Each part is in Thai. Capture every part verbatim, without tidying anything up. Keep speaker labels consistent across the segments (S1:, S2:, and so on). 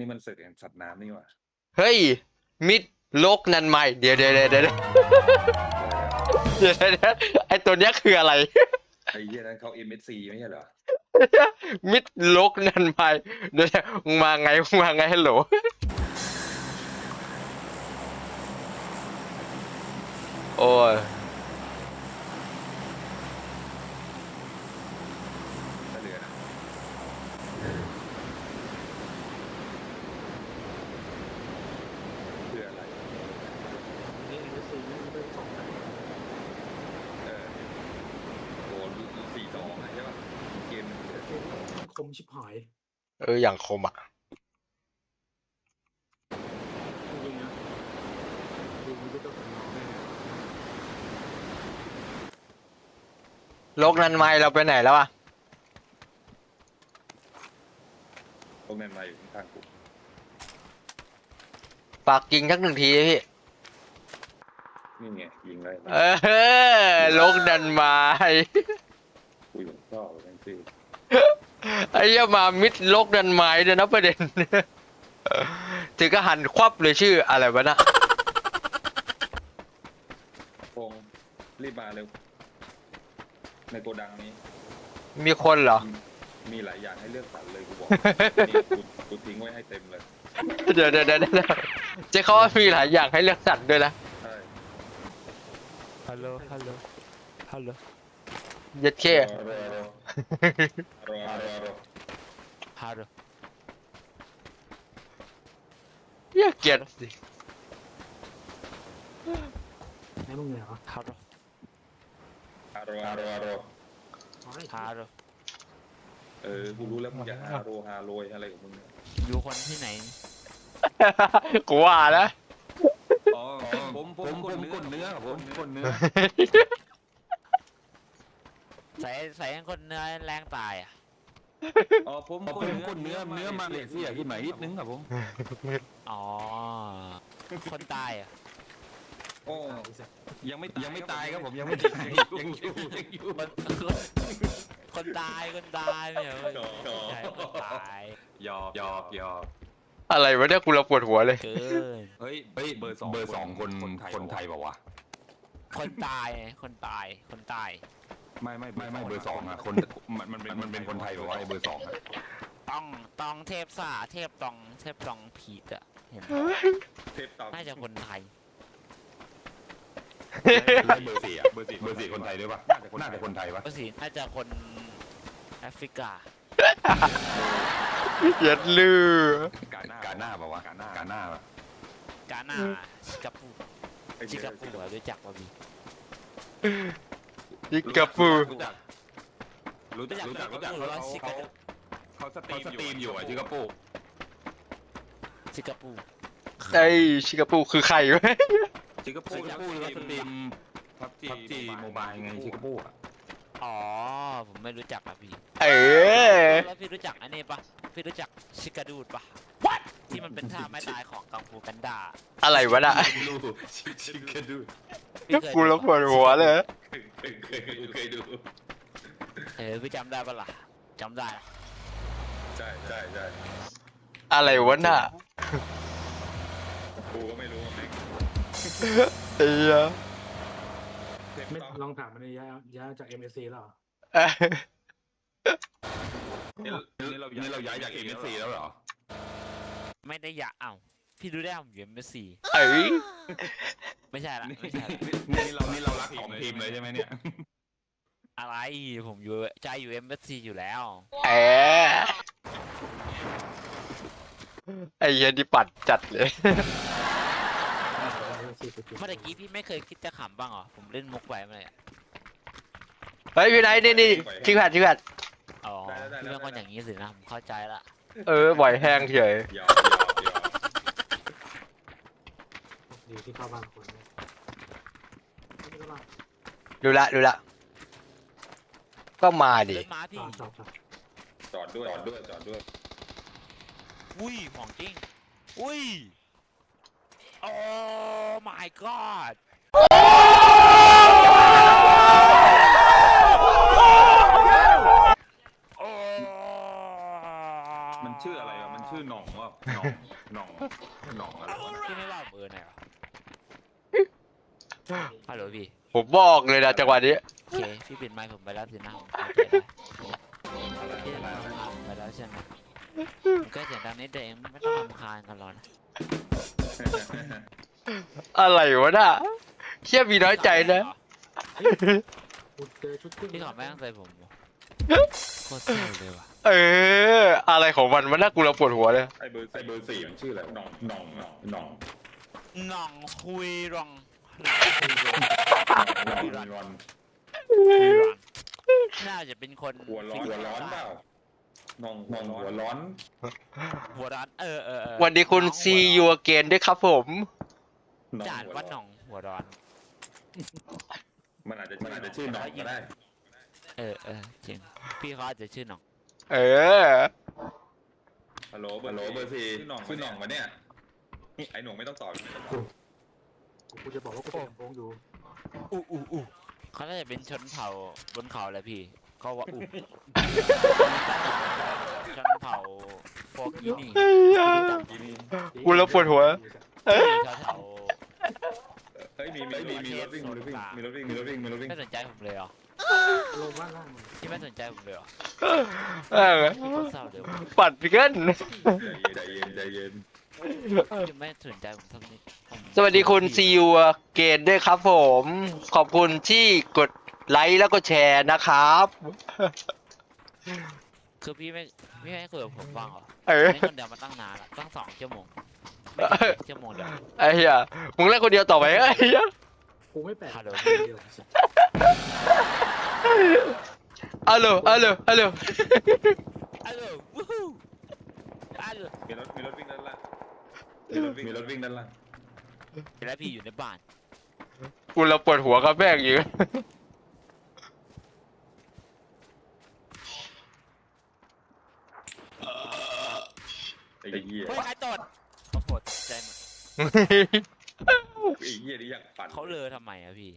S1: นี่มันศึกแห่งสัตว์น้ำนี่หว่า
S2: เฮ้ยมิดโลกนันใหม่เดี๋ยวเดี๋ยวเดี๋ยวเดี๋ยวเดี๋ยวเดี๋ยวไอตัวเนี้ยคืออะไร
S1: ไอ้เหี้ยนั้นเขา เอ็ม เอส ซี ไม่ใช่เหรอ
S2: มิดโลกนันใหม่เดี๋ยวมึงมาไงมึงมาไงฮัลโหลโอ้ย
S1: เหลือเพื่ออะไร
S3: นี่เอ็มเอสซีนี่มันเป็นสองอัน
S1: เออโอ้สี่สองใช่ป่ะเกม
S3: คมชิบหาย
S2: เอออย่างคมอ่ะ
S3: จริงๆนะดูมันก็ต้องเป็นน้องแน่
S2: โลกนันใหม่เราไปไหนแล้วอ่ะ
S1: พวกนั้นมาอยู่ข้างๆกู
S2: ฝากยิงสักหนึ่งทีพี่
S1: นี่ไงยิงเลย
S2: เออโลกนันใหม่
S1: กูอยู่ชอบแม่งสิ
S2: ไอ้ยามามิดโลกนันใหม่เดี๋ยวนะประเด็นถึงก็หันควับเลยชื่ออะไรวะนะ
S1: พงรีบมาเร็วในโกดังนี้
S2: มีคนเหรอ
S1: มีหลายอย่างให้เลือกสรรเลยกูบอกนี่กูทิ้งไว้ให้เต็มเลย
S2: เดี๋ยวเดี๋ยวเดี๋ยวเจ๊เขาว่ามีหลายอย่างให้เลือกสรรด้วยนะ
S1: ใช่
S4: ฮัลโหลฮัลโหลฮัลโหล
S2: ยัดเข้
S1: รอรอรอรอ
S4: ฮัลโหล
S2: เหี้ยเกลียดสิ
S3: ไหนมึงเหรอ
S4: ฮัลโหล
S1: ฮาโรฮาโรฮาโร
S4: ฮัลโหล
S1: เออกูรู้แล้วมึงจะฮาโรฮาโรยอะไรของมึง
S4: อยู่คนที่ไหน
S2: กูว่าแล้ว
S1: อ๋อผมผมผมกดเนื้อผมกดเนื้อ
S4: ใส่ใส่คนเนื้อแรงตายอ่ะ
S1: อ๋อผมกดเนื้อเนื้อเนื้อมาเลเซียขึ้นมานิดนึงครับผม
S4: อ๋อคนตายอ่ะ
S1: โอ้ยังไม่ยังไม่ตายครับผมยังไม่ตายยังอยู่ยังอยู่
S4: คนตายคนตายไม่เหรอใช่คนตาย
S1: หยอกหยอกหยอก
S2: อะไรวะเนี่ยกูเราปวดหัวเลย
S1: เฮ้ยเฮ้ยเบอร์สองเบอร์สองคนคนไทยบอกว่า
S4: คนตายคนตายคนตาย
S1: ไม่ไม่ไม่ไม่เบอร์สองอ่ะคนมันมันเป็นมันเป็นคนไทยบอกว่าไอ้เบอร์สองอ่ะ
S4: ต้องต้องเทพซ่าเทพตองเทพตองผีอ่ะเห็น
S1: เทพตอง
S4: น่าจะคนไทย
S1: เบอร์สี่อ่ะเบอร์สี่เบอร์สี่คนไทยด้วยป่ะน่าจะคนไทยวะ
S4: เบอร์สี่น่าจะคนแอฟริกา
S2: ยัดลือก
S1: าหน้ากาหน้าป่าวะกาหน้ากาหน้าป่ะ
S4: กาหน้าชิกาปูชิกาปูรู้จักป่ะพี่
S2: ชิกาปู
S1: รู้จักรู้จักรู้จักรู้จักเขาเขาสตรีมอยู่อ่ะชิกาปู
S4: ชิกาปู
S2: ไอ้ชิกาปูคือใครวะ
S1: ชิกาปูชิกาปูเขาสตรีมพับจีพับจีโมบายไงชิกาปูอ่ะ
S4: อ๋อผมไม่รู้จักอ่ะพี่
S2: เออ
S4: แล้วพี่รู้จักอันนี้ปะพี่รู้จักชิกาดูดปะที่มันเป็นท่าไม้ตายของกังฟูกันดา
S2: อะไรวะน่ะ
S1: ชิกาดูด
S2: กูแล้วปวดหัวเลย
S1: เคยเคยเคยดู
S4: เออพี่จำได้ปะล่ะจำได้
S1: ใช่ใช่ใช่
S2: อะไรวะน่ะ
S1: กูก็ไม่รู้เอง
S2: เอ้ย
S3: ไม่ลองถามมันเลยย้ายย้ายจาก เอ็ม เอส ซี แล้ว
S1: นี่เรานี่เราย้ายจาก เอ็ม เอส ซี แล้วเหรอ
S4: ไม่ได้อยากเอ้าพี่ดูได้ผมอยู่ เอ็ม เอส ซี
S2: เอ้ย
S4: ไม่ใช่ละไม่ใช่
S1: นี่เรานี่เรารักของทีมเลยใช่ไหมเนี่ย
S4: อะไรผมอยู่ใจอยู่ เอ็ม เอส ซี อยู่แล้ว
S2: เออไอ้เหี้ยนี่ปัดจัดเลย
S4: เมื่อกี้พี่ไม่เคยคิดจะขำบ้างเหรอผมเล่นมุกไว้มาเลย
S2: เฮ้ยพี่ไหนนี่นี่ชิคแพดชิคแพด
S4: อ๋อพี่เป็นคนอย่างนี้สินะผมเข้าใจละ
S2: เออบ่อยแห้งเฉย
S3: ดีที่เข้าบ้านคน
S2: ดูละดูละก็มาดิ
S1: จอดด้วยจอดด้วยจอดด้วย
S4: อุ้ยของจริงอุ้ยโอ้ my god
S1: มันชื่ออะไรอ่ะมันชื่อหน่องว่าหน่อง
S4: ฮัลโหลพี่
S2: ผมบอกเลยนะจังหวะนี้
S4: โอเคพี่ปิดไมค์ผมไปแล้วสินะผมเข้าใจได้พี่รำคาญไปแล้วใช่ไหมผมแค่เสียงดังนิดเดียวเองไม่ต้องรำคาญกันหรอกนะ
S2: อะไรวะน่ะเชี่ยมีน้อยใจนะ
S3: กูเจอชุดเครื่อง
S4: พี่ขอแม่งใส่ผมเหรอโคตรเศร้าเลยว่ะ
S2: เออ อะไรของมันมันน่ากูเราปวดหัวเลย
S1: ไอเบอร์ไอเบอร์สี่มันชื่ออะไรหน่องหน่องหน่องหน่อง
S4: หน่องคุยรอง
S1: หน่องรอน
S4: คุยรองน่าจะเป็นคน
S1: หัวร้อนหัวร้อนเปล่าหน่องหน่องหัวร้อน
S4: หัวร้อนเออเออเออ
S2: วันนี้คุณ
S4: น้องหัว
S2: see
S4: ร้อน
S2: you again ด้วยครับผม
S4: จานว่าหน่องหัวร้อน
S1: มันอาจจะมันอาจจะชื่อหน่องก็ได้
S4: เออเออจริงพี่เขาอาจจะชื่อหน่อง
S2: เออ
S1: ฮัลโหลเบอร์ฮัลโหลเบอร์สี่ชื่อหน่องชื่อหน่องวะเนี่ยไอหน่องไม่ต้องตอบ
S3: กูจะบอกว่ากูเป็นลำโพงอยู่
S4: อู้อู้อู้เขาน่าจะเป็นชนเผ่าบนเขาแหละพี่เขาว่าอู้ชนเผ่าฟอร์กินี่
S2: กูแล้วปวดหัว
S4: แถว
S1: เฮ้ยมีมีมีมีรถวิ่งมีรถวิ่งมีรถวิ่งมีรถวิ่งมีรถวิ่ง
S4: ไม่สนใจผมเลยเหรอ
S3: ลงบ้านล่างมัน
S4: ที่ไม่สนใจผมเลยเหรอ
S2: เออ
S4: พี่โคตรเศร้าเลยว่ะ
S2: ปัดเกิน
S1: ใจเย็นใจเย็น
S4: จะไม่สนใจผมสักนิดผม
S2: สวัสดีคุณ see you again ด้วยครับผม ขอบคุณที่กดไลค์แล้วก็แชร์นะครับ
S4: คือพี่ไม่พี่ไม่ให้คุยกับผมบ้างเหรอ
S2: เออ
S4: เล่นคนเดียวมาตั้งนานละตั้งสองชั่วโมงไม่ถึงชั่วโมงเดียว
S2: ไอ้เหี้ยมึงเล่นคนเดียวต่อไปไอ้เหี้ย
S3: กูไม่แปลก
S4: ฮัลโหล
S3: เดียว
S2: อัลโหลอัลโหลอัลโหล
S4: ฮัลโหลวู้ฮู้ฮัลโหล
S1: มีรถมีรถวิ่งด้านล่างมีรถวิ่งมีรถวิ่งด้านล่าง
S4: แล้วพี่อยู่ในบ้าน
S2: กูเราปวดหัวกับแม่งอยู่
S1: ไอ้เหี้ย
S4: เฮ้ยใครตดเขาปวดใจหมด
S1: ไอ้เหี้ยนี่อยากปั่น
S4: เขาเลอทำไมอะพี่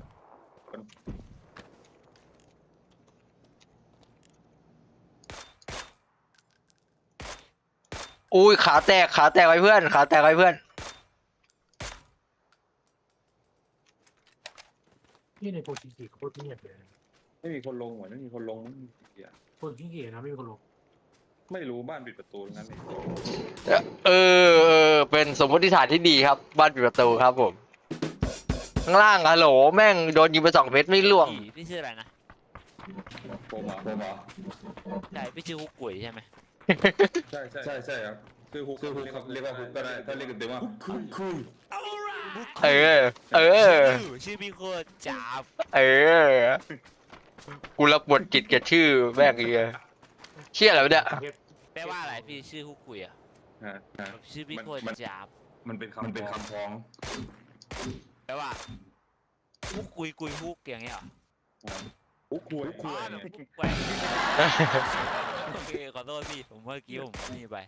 S2: อุ้ยขาแตกขาแตกไว้เพื่อนขาแตกไว้เพื่อน
S3: ที่ในโพชิกิโคตรเงียบเลย
S1: ไม่มีคนลงเหมือนไม่มีคนลงไม่มีเหี้ย
S3: คนขี้เกียจนะไม่มีคนลง
S1: ไม่รู้บ้านปิดประตูงั้นเลย
S2: เออเออเป็นสมมติฐานที่ดีครับ บ้านปิดประตูครับผม ข้างล่างฮัลโหลแม่งโดนยิงไปสองเม็ดไม่ล่วง
S4: พี่พี่ชื่ออะไรนะ
S1: ผมอ่ะผมอ่ะ
S4: ใช่พี่ชื่อฮุกกุ๋ยใช่ไหม
S1: ใช่ใช่ใช่ใช่ครับคือฮุกคือฮุกครับเรียกว่าฮุกก็ได้ถ้าเรียกกันเต็มว่าฮุกคือคือ
S2: เออ เออ
S4: ชื่อพี่โคตรจับ
S2: เออ กูรับบทกิจกับชื่อแม่งอีกอะเชี่ยอะไรวะเนี่ย
S4: แปลว่าอะไรพี่ชื่อฮุกกุ๋ยอะ
S1: ฮะฮะ
S4: ชื่อพี่โคตรจับ
S1: มันเป็นคำมันเป็นคำพ้อง
S4: แปลว่าฮุกกุ๋ยกุ๋ยฮุกอย่างเงี้ยเหรอ
S1: ฮุกคุยคุ
S4: อ๋
S1: ย
S4: อแบ
S1: เนี่
S4: บ
S1: ย
S4: ฮุกไปโอเคขอโทษพี่ผมเมื่อกี้ผมนี่ไป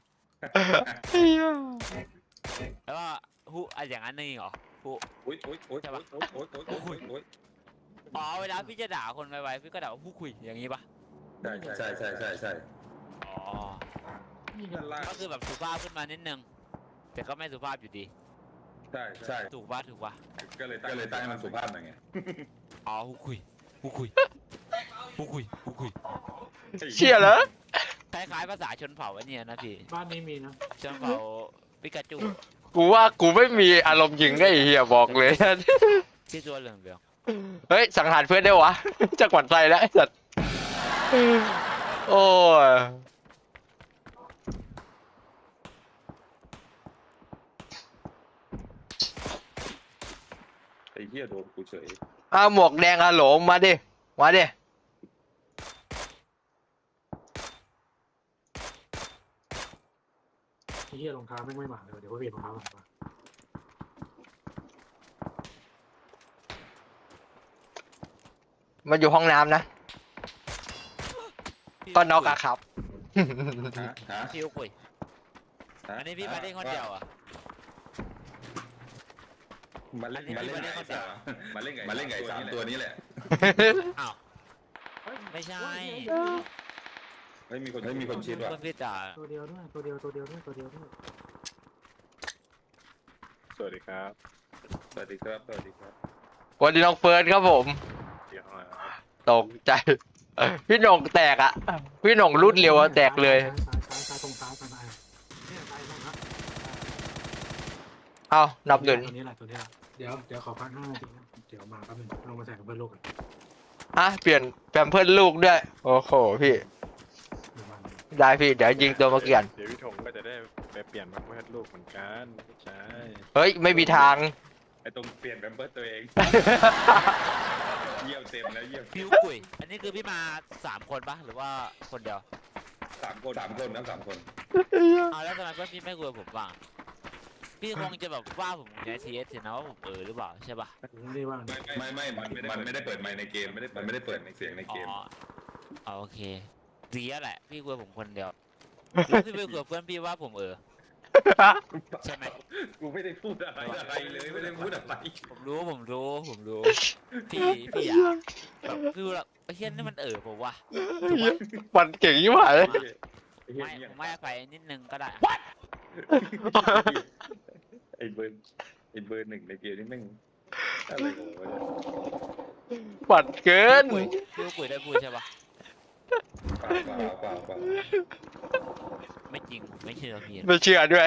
S4: แล้วว่าฮุกอะอย่างนั้นนี่เหรอฮุก
S1: อุ้ยอุ้ยอุ้ยอุ้ยอุ้ยอุ้ยอุ้ยอุ้ยอุ้ย
S4: อ๋อเวลาพี่จะด่าคนไวๆพี่ก็ด่าว่าฮุกคุยอย่างงี้ปะ
S1: ใช่ใช่ใช่ใช่ใช่
S4: อ๋อ
S3: นี่กัน
S1: ด้านล่าง
S4: ก็คือแบบสุภาพขึ้นมานิดนึงแต่ก็ไม่สุภาพอยู่ดี
S1: ใช่ใช่
S4: ถูกปะถูกปะ
S1: ก็เลยก็เลยตั้งให้มันสุภาพหน่อยไง
S4: อ๋อฮุกคุยฮุกคุยฮุกคุยฮุกคุย
S2: เชี่ยเหรอ
S4: คล้ายๆภาษาชนเผ่าอันเนี้ยนะพี่
S3: บ้านนี้มีนะ
S4: ชนเผ่าปิกาจู
S2: กูว่ากูไม่มีอารมณ์ยิงได้ไอ้เฮียบอกเลย
S4: ที่ตัวเหลืองเหลือง
S2: เฮ้ย สังหารเพื่อนได้วะ จะกวัดใจแล้วไอ้สัตว์โอ้ย
S1: ไอ้เหี้ยโดนกูเฉย
S2: อ้าวหมวกแดงฮัลโหลมาดิ มาดิ
S3: ไอ้เหี้ยรองเท้าไม่งไม่หมาเลยเดี๋ยวว่าเปลี่ยนรองเท้าก่อนมา
S2: มันอยู่ห้องน้ำนะ
S4: ๆ
S2: ก็น็อกอะครับ
S1: ฮะฮะ
S4: พี่ฮุกคุยอันนี้พี่มาเล่นคนเดียวอ่ะ
S1: มาเล่นมาเล่นไก่สามมาเล่นไก่มาเล่นไก่สามตัวนี้แหละ
S4: อ้าวไม่ใช่
S1: เฮ้ยมีคนเฮ้ยมีคนชิดว่ะ
S4: คนพี่ด่า
S3: ตัวเดียวด้วยตัวเดียวตัวเดียวด้วยตัวเดียวด้วย
S1: สวัสดีครับสวัสดีครับสวัสดีครับ
S2: วันนี้น้องเฟิร์สครับผม
S3: เดี๋ยวเอา
S2: ตกใจ พี่หน่งแตกอ่ะ พี่หน่งรุดเร็วอะแตกเลย
S5: ซ้ายซ้ายซ้ายตรงซ้ายซ้ายซ้ายเนี่ยซ้ายตรงครับ
S2: เอ้านับหนึ่ง
S5: ตัวนี้แหละตัวนี้แหละเดี๋ยวเดี๋ยวขอพักห้านาทีนะเดี๋ยวมาแป๊บนึงลงมาใส่กับเพื่อนลูกกัน
S2: อ่ะเปลี่ยนแปมเพิร์ลูกด้วย โอ้โหพี่
S5: เดี๋ยวมา
S2: ได้พี่เดี๋ยวยิงตัวมาเกียน
S3: เดี๋ยวพี่ถงก็จะได้ไปเปลี่ยนมาเพื่อนลูกเหมือนกันไม่ใช่
S2: เฮ้ยไม่มีทาง
S1: ไอ้ตรงเปลี่ยนแบมเบิร์ตัวเอง เยี่ยวเต็มแล้วเยี่ยว
S4: พี่กุยอันนี้คือพี่มาสามคนปะหรือว่าคนเดียว
S1: สามคนสามคนนะสามคน
S4: เอาแล้วทำไมเพื่อนพี่ไม่คุยกับผมบ้างพี่คงจะแบบว่าผมใช้ทีเอสนะว่าผมเออหรือเปล่าใช่ปะ
S5: ไม่ได้ว่า
S1: ไม่ไม่ไม่มันมันไม่ได้เปิดไมค์ในเกมไม่ได้มันไม่ได้เปิดในเสียงใน
S4: อ๋
S1: เกม
S4: อเอาโอเคดีแล้วแหละพี่คุยกับผมคนเดียวแล้วพี่ไปคุยกับเพื่อนพี่ว่าผมเออใช่ไหม
S1: กูไม่ได้พูดอะไรอะไรเลยไม่ได้พูดอะไร
S4: ผมรู้ผมรู้ผมรู้ พี่พี่อยากแบบคือแบบไอ้เฮี้ยนี่มันเออผมว่าถูกปะ
S2: มันเก่งยิ่งหายเลย
S4: ไม่ผมไม่ไปนิดนึงก็ได้
S1: ไอ้เบอร์ไอ้เบอร์หนึ่งในเกมนี่แม่งอะไรของวะเนี่ย
S2: ปัดเกิน
S4: คุยพี่คุยได้พูดใช่ปะ
S1: เปล่าเปล่าเปล่าเปล่า
S4: ไม่จริงผมไม่เชื่อพี่
S2: ไม่เชื่อด้วย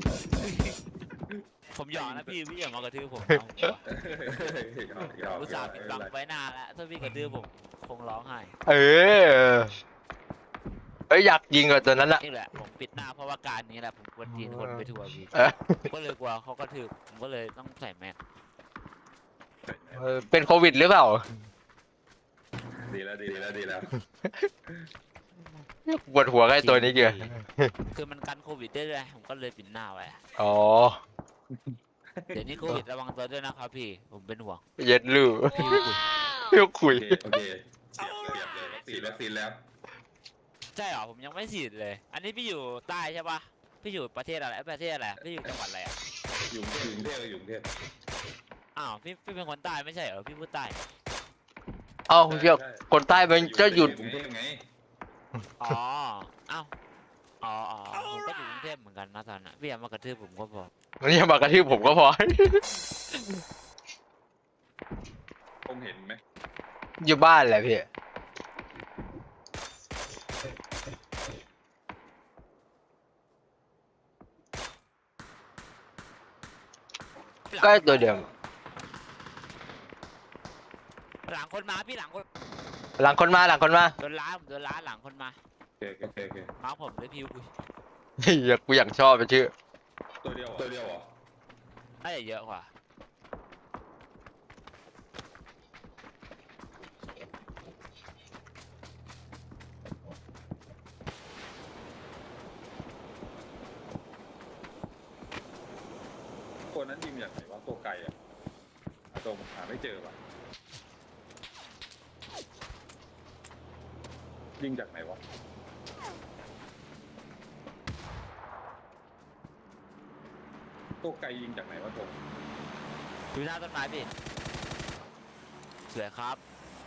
S4: ผมหยอกนะพี่พี่อย่ามากระทืบผมนะผมอุตส่าห์ปิดบังไว้นานแล้วถ้าพี่กระทืบผมคงร้องไห้
S2: เออเอ้ยอยากยิงกับตัวนั้นอะ
S4: นี่แหละผมปิดหน้าเพราะว่าการนี้แหละผมกวนจีนคนไปทัวร์พี่
S2: เออ
S4: ผมก็เลยกลัวเขากระทืบผมก็เลยต้องใส่แมส
S2: เออเป็นโควิดหรือเปล่า
S1: ดีแล้วดีแล้วดีแล้ว
S2: ปวดหัวกับไอ้ตัวนี้เกี่ย
S4: คือมันกันโควิดได้เลยผมก็เลยปิดหน้าไว้
S2: อ๋อ
S4: เดี๋ยวนี้โควิดระวังตัวด้วยนะครับพี่ผมเป็นห่วง
S2: เย็ดลู่
S4: พี่คุย
S2: เพี่คุย
S1: โอเคโอเคเสียบเสียบเลยฉีดวัคซีนแล้ว
S4: ใช่เหรอผมยังไม่ฉีดเลย อันนี้พี่อยู่ใต้ใช่ปะพี่อยู่ประเทศอะไรประเทศอะไรพี่อยู่จังหวัดอะไรอ่ะ
S1: อยู่กรุงเทพอยู่กรุงเทพ
S4: อ้าวพี่พี่เป็นคนใต้ไม่ใช่เหรอพี่พูดใต้
S2: เอ้าเพี่คนใต้มันจะหยุด
S1: กรุงเทพไง
S4: อ๋ออ้าวอ๋ออ๋อผมก็อยู่กรุงเทพเหมือนกันนะตอนนั้นพี่อย่ามากระทืบผมก็พอ
S2: มันยังมากระทืบผมก็พอ
S1: ผมเห็นไหม
S2: อยู่บ้านแหละพี่ ก็ตัวเดิม
S4: หลังคนมาพี่หลังคน
S2: หลังคนมาหลังคนมา
S4: โดนล้าผมโดนล้าหลังคนมา
S1: โอเคโอเคโอเค
S4: มาผมเลยพี่คุย
S2: เฮ้ยกูอยากชอบไปชื่อ
S1: ตัวเดียวตัวเดียวเหรอ
S4: น่าจะเยอะกว่า
S1: ตัวนั้นยิงอย่างไหนวะตัวไก่อะตัวผมหาไม่เจอว่ะยิงจากไหนวะตัวไก่ยิงจากไหนวะตัว
S4: อยู่หน้าต้นไม้พี่สวยครับ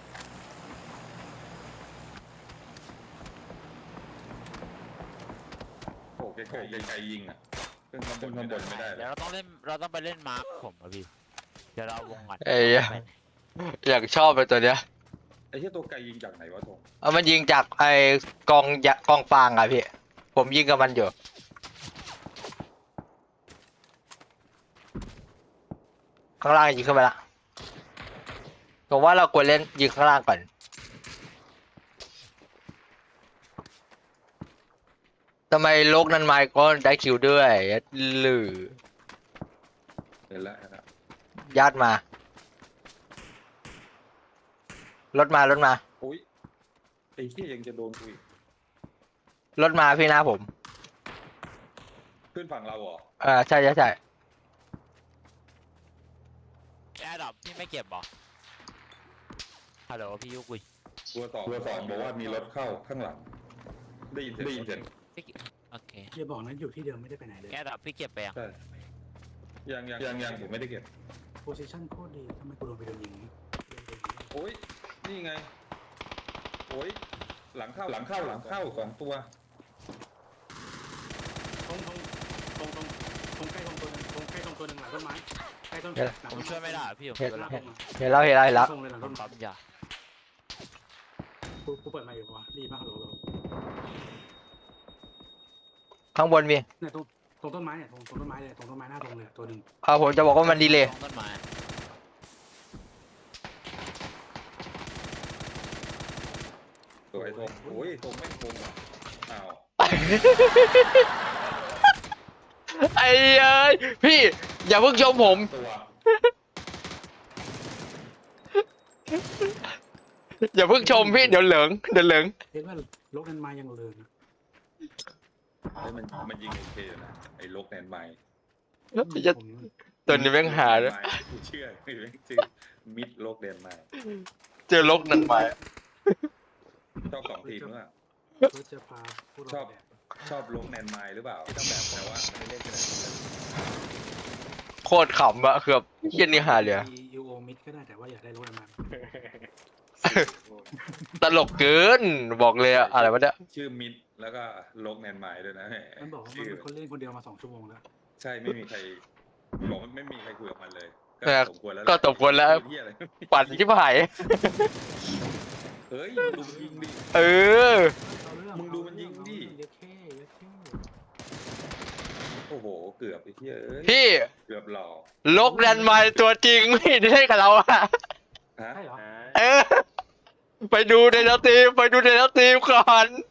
S1: โอ้ไก่ไก่ไก่ยิงอ่ะขึ้นข้างบนข้างบนไม่ได้
S4: เดี๋ยวเราต้องเล่นเราต้องไปเล่นมาร์คผมอะพี่เดี๋ยวเราวงก่อน
S2: เอ้ยอยากชอบไปตัวเนี้ย
S1: ไอ้ที่ตัวไก่ยิงจากไหนวะทง
S2: เอามันยิงจากไอ้กองยะกองฟางอะพี่ ผมยิงกับมันอยู่ ข้างล่างยิงขึ้นไปละผมว่าเราควรเล่นยิงข้างล่างก่อน ทำไมโลกนั้นไมค์ก็ได้คิวด้วยหรือ
S1: เห็นแล้วเห็นแล้ว
S2: ญาติมา รถมารถมา
S1: อุ้ยไอ้ที่ยังจะโดนกูอีก
S2: รถมาพี่หน้าผม
S1: ขึ้นฝั่งเราเหรอ
S2: เออใช่ใช่ใช่
S4: แอร์ดรอปพี่ไม่เก็บหรอฮัลโหลพี่ยุกุย
S1: ตัวสองตัวสองบอกว่ามีรถเข้าข้างหลัง ได้ยินเสียงได้ยินเสียง
S4: โอเค
S5: อย่าบอกนะอยู่ที่เดิมไม่ได้ไปไหนเลย
S4: แอร์ดรอปพี่เก็บไปยัง
S1: ใช่ยังยังยังยังผมไม่ได้เก็บ
S5: โพซิชั่นโคตรดีทำไมกูโดนไปโดนยิงนี้โดนโดนยิง
S1: โอ้ยนี่ไงโอ้ยหลังเข้าหลังเข้าหลังเข้าสองตัว
S5: ตรงตรงตรงตรงตรงใกล้ตรงตัวหนึงตรงใกล้ตรงตัวหนึ่งหลังต้นไม้ใกล้ล้ต้น
S4: ผมช่วยไม่ได้พี่ผม
S2: เห็น
S4: กำลัง
S2: เห็นแล้วเห็นแล้วเห็นแล้ว
S5: ตรงเลยหลัง
S4: ผ
S5: ต้
S4: ม
S5: น
S4: ปั๊มยา
S5: กูกูเปิดมาอยู่ปะวะดีมากฮัลโหล
S2: ข้างบนมี
S5: เนี่ยตรงตรงต้นไม้เนี่ยตรงตรงต้นไม้เลยตรงต้นไม้หน้าตรงเลยตัวหนึ่ง
S2: ครับผมจะบอกว่ามันดีเลย
S4: ตรงต้นไม้
S1: สวยธงโอ้ยธงไม่ธงอ่ะอ้าว
S2: ไอ้เอ้ยพี่อย่าเพิ่งชมผม
S1: ตัว
S2: อย่าเพิ่งชมพี่เดี๋ยวเหลิงเดี๋ยวเหลิง
S5: เห็นว่าลกนั้นมายังเลินนะ
S1: เฮ้ยมันมันยิงโอเคอยู่นะไอ้ลกแนนไมล์
S2: จะ
S5: ผม
S2: ตัวนี้แม่งหาด้วย
S1: กูเชื่อไอ้แม่งชื่อมิดลกแนนไมล์
S2: เจอลกนั่นไป
S1: ชอบสองทีมหรือเปล่า
S5: ก็จะพาพวกเรา
S1: ชอบ
S5: แดก
S1: ชอบลกแนนไมล์หรือเปล่าที่ต้องแบบแต่ว่าไม่ได้เล่นกันเลย
S2: โคตรขำอะคือแบบเฮียนี่หาเลยอะ
S5: ยูโอมิดก็ได้แต่ว่าอยากได้ลกนั้นมา
S2: ตลกเกินบอกเลยอะอะไรวะเนี่ย
S1: ชื่อมิดแล้วก็ลกแนนไมล์ด้วยนะ
S5: มันบอกว่ามัน
S1: ชื่อ
S5: เป็นคนเล่นคนเดียวมาสองชั่วโมงแล้ว
S1: ใช่ไม่มีใครบอกว่าไม่มีใครคุยกับมันเลย
S2: แต่
S1: สมควรแล้ว
S2: ก็สมควรแล้ว
S1: เหี้ยอะไร
S2: ปั่นชิบหาย
S1: เฮ้ยดูมันยิงดิ
S2: เออ
S5: เอาเรื่อง
S1: มึงดูมันยิงดิ
S5: เยอะแค่เยอะแค่
S1: โอ้โหเกือบไอ้เหี้ยเอ้ย
S2: พี่
S1: เกือบหล่อ
S2: ลกดันมาตัวจริงไม่ได้กับเราอะ
S1: ฮะ
S5: ใช่เหรอ
S2: เออ ไปดูในแล้วทีมไปดูในแล้วทีมก่อน